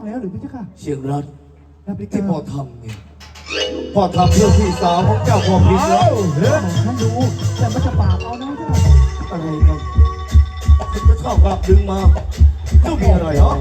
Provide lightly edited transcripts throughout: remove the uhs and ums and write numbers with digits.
แล้วหรือพี่เจ้าค่ะเชียงรัฐรับไปที่พ่อทำเนี่ยพ่อทำเพื่อพี่สาวของเจ้าพ่อพิษแล้วฉันรู้แต่มันจะปราบเอานะเจ้าอะไรกันคุณจะชอบกลับดึงมาเจ้ามีอะไรเหรอ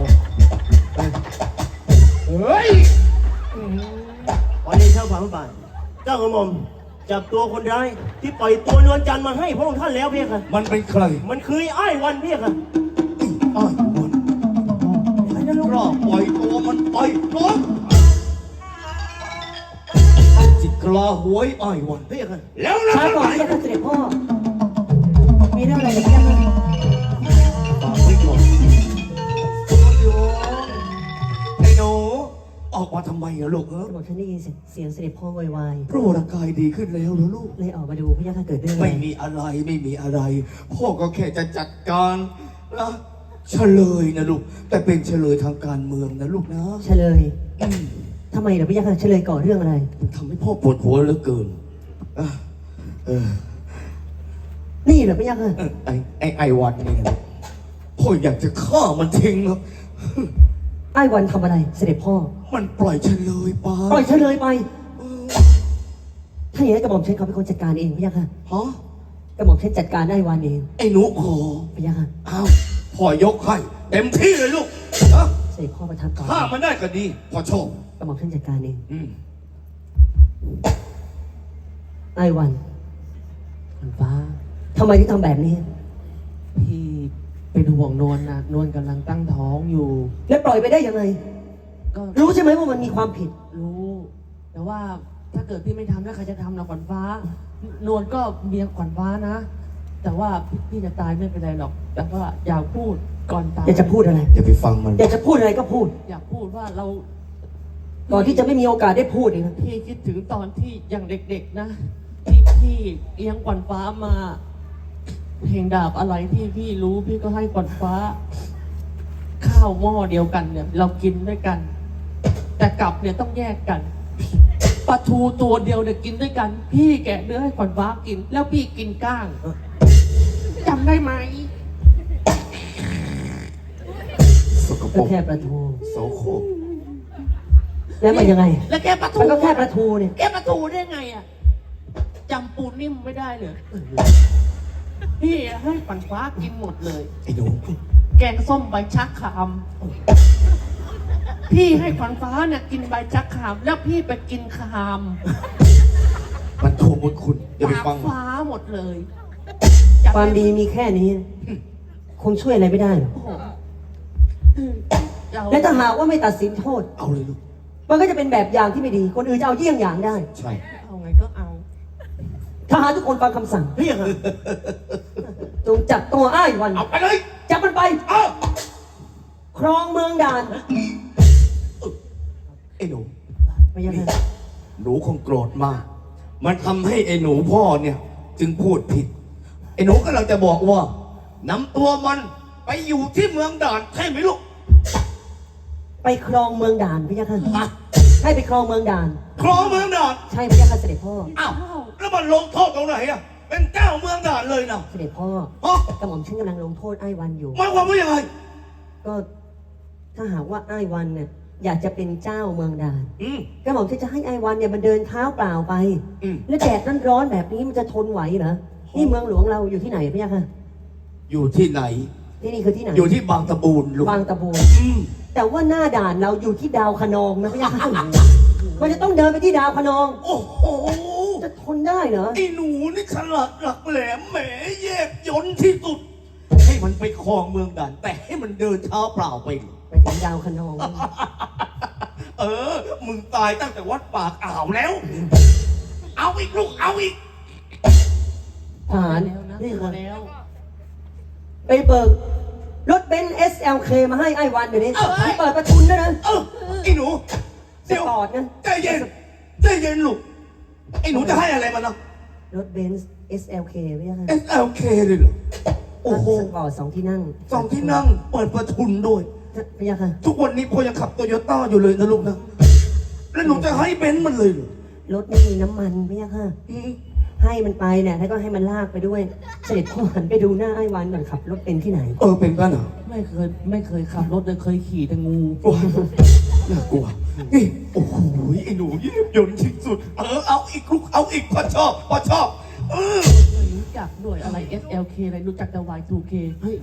เฮ้ยวันนี้เช้าฝ่าพระบาทเจ้ากระหม่อมจับตัวคนร้ายที่ปล่อยตัวนวลจันทร์มาให้พระองค์ท่านแล้วพี่ค่ะมันเป็นใครมันคือไอ้วันพี่ค่ะอ้ายวันกล้าปล่อยตัวมันไปน้องจิกล้าหวยอ้ายวันพี่ค่ะแล้วนะช้าก่อนที่จะเสด็จพ่อ มีเรื่องอะไรกันบ้างฝากไว้ก่อนไอ้หนูออกมาทำไมอะลูกเออบอกฉันได้ยินเสียงเสด็จพ่อวายพระวรากายดีขึ้นแล้วเหรอลูกเลยออกมาดูพระยาค่ะเกิดเรื่องอะไรไม่มีอะไรไม่มีอะไร พ่อก็แค่จะจัดการนะเฉลยนะลูก แต่เป็นเฉลยทางการเมืองนะลูกนะเฉลยทำไมเหรอพระยาค่ะเฉลยก่อเรื่องอะไรมันทำให้พ่อปวดหัวเหลือเกินอ่ะเออนี่เหรอพระยาค่ะไอ้วันนี่นะพ่ออยากจะฆ่ามันทิ้งครับไอ้วันทำอะไร เสด็จพ่อมันปล่อยเฉลยไปปล่อยเฉลยไป ถ้าอย่างนั้นกระหม่อมฉันเขาเป็นคนจัดการเองพระยาค่ะฮะกระหม่อมฉันจัดการไอ้วันเองไอ้หนูขอพระยาค่ะอ้าวพ่อยกให้เต็มที่เลยลูกนะเสด็จพ่อประทับก่อนฆ่ามันได้ก็ดีพ่อชอบกระหม่อมฉันจัดการเองอืมไอ้วันวันฟ้าทำไมถึงทำแบบนี้พี่เป็นห่วงนวลนะนวลกำลังตั้งท้องอยู่แล้วปล่อยไปได้ยังไงก็รู้ใช่ไหมว่ามันมีความผิดรู้ แต่ว่าถ้าเกิดพี่ไม่ทำแล้วใครจะทำล่ะขวัญฟ้านวลก็เมียขวัญฟ้านะ แต่ว่าพี่จะตายไม่เป็นไรหรอก แต่ว่าอยากพูดก่อนตายอยากจะพูดอะไรอย่าไปฟังมันอยากจะพูดอะไรก็พูดอยากพูดว่าเราก่อนที่จะไม่มีโอกาสได้พูดอีกนะพี่คิดถึงตอนที่ยังเด็กๆนะที่พี่เลี้ยงขวัญฟ้ามาเพลงดาบอะไรที่พี่รู้พี่ก็ให้ขวัญฟ้า ข้าวหม้อเดียวกันเนี่ย เรากินด้วยกัน แต่กลับเนี่ยต้องแยกกันปลาทูตัวเดียวเนี่ยกินด้วยกัน พี่แกะเนื้อให้ขวัญฟ้ากิน แล้วพี่กินก้างจำได้ไหมสกปรก็กแค่ปลาทูโสโครกแล้วมันยังไงแล้วแกะปลาทูมันก็แค่ปลาทูเนี่ยแกะปลาทูได้ไงอ่ะจำปูนิ่มไม่ได้เลยพี่ให้ขวัญฟ้ากินหมดเลยไอ้หนูแกงส้มใบชักขามพี่ให้ขวัญฟ้าเนี่ยกินใบชักขาม แล้วพี่ไปกินขามมันโทษคุณอย่าไปปากฟังมันฟ้าหมดเลยความดีมีแค่นี้ คงช่วยอะไรไม่ได้หรอกโอ้โหเราและถ้าหากว่าไม่ตัดสินโทษเอาเลยลูกมันก็จะเป็นแบบอย่างที่ไม่ดี คนอื่นจะเอาเยี่ยงอย่างได้ใช่เอาไงก็เอาทหารทุกคนฟังคำสั่งพี่ค่ะจงจับตัวอ้ายวันเอาไปเลยจับมันไปเอาครองเมืองด่านไอ้หนูไม่ยังไงหนูคงโกรธมาก มันทำให้ไอ้หนูพ่อเนี่ย จึงพูดผิด ไอ้หนูกำลังจะบอกว่านำตัวมันไปอยู่ที่เมืองด่านใช่ไหมลูกไปครองเมืองด่านพี่ยักษ์ฮะให้ไปครองเมืองด่านครองเมืองด่านใช่พี่ยักษ์เสด็จพ่ออ้าวแล้วมันลงโทษตรงไหนอ่ะ เป็นเจ้าเมืองด่านเลยนะเสด็จพ่อฮะกระหม่อมฉันกำลังลงโทษไอ้วันอยู่หมายความว่ายังไงก็ถ้าหากว่าไอ้วันเนี่ยอยากจะเป็นเจ้าเมืองด่านอืมกระหม่อมฉันจะให้ไอ้วันเนี่ยมันเดินเท้าเปล่าไปอืมแล้วแดดร้อนๆแบบนี้มันจะทนไหวเหรอ นี่เมืองหลวงเราอยู่ที่ไหนพี่ยักษ์อยู่ที่ไหนที่นี่คือที่ไหนอยู่ที่บางตะบูนลูกบางตะบูนอืมแต่ว่าหน้าด่านเราอยู่ที่ดาวคะนองนะพี่ยักษ์มันจะต้องเดินไปที่ดาวคะนองโอ้โหจะทนได้เหรอไอ้หนูนี่ฉลาดหลักแหลมแหมแยบยนต์ที่สุด ให้มันไปครองเมืองด่าน แต่ให้มันเดินเท้าเปล่าไปไปถึงดาวคะนองเออ มึงตายตั้งแต่วัดปากอ่าวแล้ว เอาอีกลูก เอาอีกทหารแล้วนะนี่พอค่ะแล้วไปเบิกรถเบนซ์ SLK มาให้ไอ้วันเดี๋ยวนี้ให้เปิดประทุนด้วยนะเออไอ้หนูสเดี๋ยวปอร์ตนะใจเย็นใจเย็นลูก ไอ้หนูจะให้อะไรมันนะรถเบนซ์ SLK ไม่ใช่ค่ะ SLK เลยเหรอ โอ้โหสปอร์ต2 ที่นั่งสองที่นั่ง เปิดประทุนด้วยไม่ใช่ค่ะทุกวันนี้พ่อยังขับโตโยต้าอยู่เลยนะลูกนะ แล้วหนูจะให้เบนซ์มันเลยเหรอรถไม่มีน้ำมันไม่ใช่ค่ะอืมให้มันไปเนี่ยแล้วก็ให้มันลากไปด้วย เสด็จพ่อหันไปดูหน้าไอ้วันก่อนขับรถเป็นที่ไหนเป็นกันเหรอไม่เคยขับรถเลยเคยขี่แต่งูโอ้ยน่ากลัวนี่โอ้โหไอ้หนูเยี่ยมยนต์ที่สุดเอาอีกลูกเอาอีกพอชอบไม่รู้จักด้วยอะไร SLK อะไรรู้จักแต่ Y2K เฮ้ย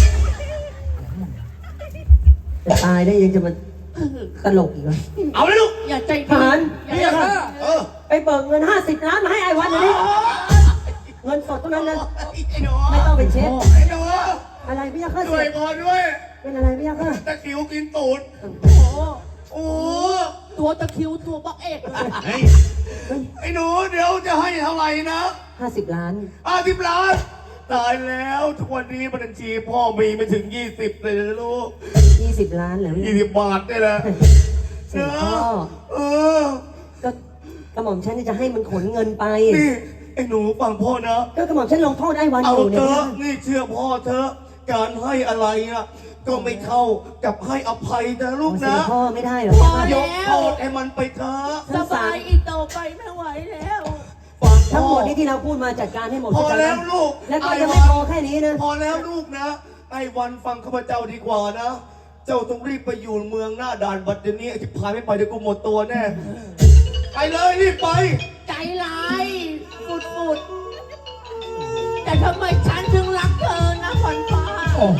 จะตายได้ยังจะมาตลกอีกเหรอเอาเลยลูกอย่าใจทหารอย่าไปเบิกเงิน50 ล้านมาให้ไอ้วันเดี๋ยวนี้เงินสดเท่านั้นนะไอ้หนูไม่ต้องไปเช็คไอ้หนูอะไรพี่ยักษ์ข้าช่วยเสียพอด้วยเป็นอะไรพี่ยักษ์ข้าตะคริวกินตูดโอ้โหโอ้ตัวตะคริวตัวบักเอกเลยไอ้หนูเดี๋ยวจะให้เท่าไหร่นะ 50 ล้าน 50 ล้านตายแล้วทุกวันนี้บัญชีพ่อมีไม่ถึง20เลยนะลูก 20 ล้านเหรอพี่ 20 บาทนี่แหละเสด็จพ่อเออก็กระหม่อมฉันจะให้มันขนเงินไปนี่ไอ้หนูฟังพ่อนะก็กระหม่อมฉันลงโทษไอ้วันเอาอยู่เถเนี่ยอะนี่เชื่อพ่อเถอะการให้อะไรอะก็ไม่เข้ากับให้อภัยนะลูกเสด็นะจพ่อไม่ได้เหรอยกโทษให้มันไปเถอะสบายอีกต่อไปไม่ไหวแล้วฟังทั้งพ่หมอดนี้ที่เราพูดมาจัดการให้หมดพอเข้าใจไหมแล้วลูกแล้วก็ยังไม่พอแค่นี้นะพอแล้วลูกนะไอ้วันฟังข้าพเจ้าดีกว่านะ เจ้าต้องรีบไปอยู่เมืองหน้าด่านบัดเดี๋ยวนี้ไอ้ที่พายไม่ไปเดี๋ยวกูหมดตัวแน่ ไปเลยรีบไปใจร้ายฟุดๆแต่ทำไมฉันถึงรักเธอนะขวัญฟ้าโอ้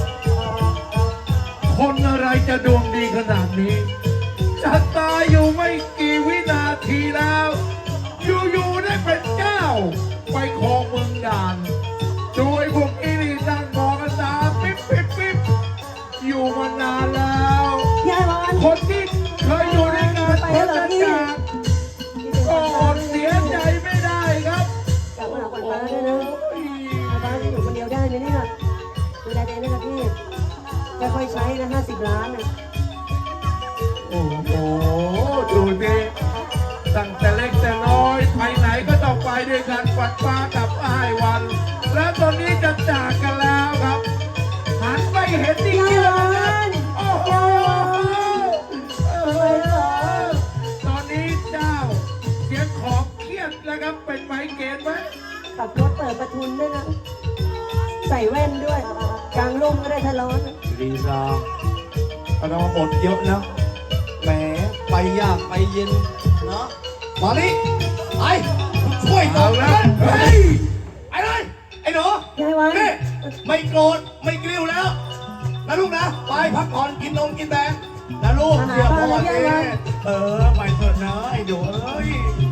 คนอะไรจะดวงดีขนาดนี้ จะตายอยู่ไม่กี่วินาทีแล้ว อยู่ๆได้เป็นเจ้า ไปครองเมืองด่านโดยพวกอีนี่นั่งมองกันตาปิ๊บปิ๊บปิ๊บอยู่มานานแล้วพี่ไอ้วันคนที่เคยอยู่ในงานไปพัแล้วฒเหรอพี่นาก็อดเสียใจไม่ได้ครับกลับมาหาขวัญฟ้าด้วยนะขวัญฟ้าจะอยู่คนเดียวได้ไหมเนี่ยดูแลตัวเองด้วยนะพี่ค่อยๆใช้นะ50 ล้านนะโอ้โห ดูดิตั้งแต่เล็กแต่น้อยไปไหนก็ต้องไปด้วยกันฝันฟ้ากับอ้ายวัน แล้วตอนนี้จะจากกันแล้วครับหันไปเห็นที่พี่เกีไอ้ยวัร์นโอ้โหไปเหรอตอนนี้เจ้าเสียงของเครียดแล้วครับเป็นไมเกรนไหมขับรถเปิดประทุนด้วยนะ ใส่แว่นด้วยกลางร่มก็ได้ถ้าร้อนลีลาเราบทเยอะนะแหมไปยากไปเย็นนะมานี่ไปช่วยต่อเลยเฮ้ยไปเลยไอ้หนูพี่ไอ้วันนี่ไม่โกรธไม่กลิ้วแล้วนะลูกนะไปพักผ่อนกินนมกินแตงนะลูกเชื่อพ่อสิไปเถอะนะไอ้หนูเอ้ย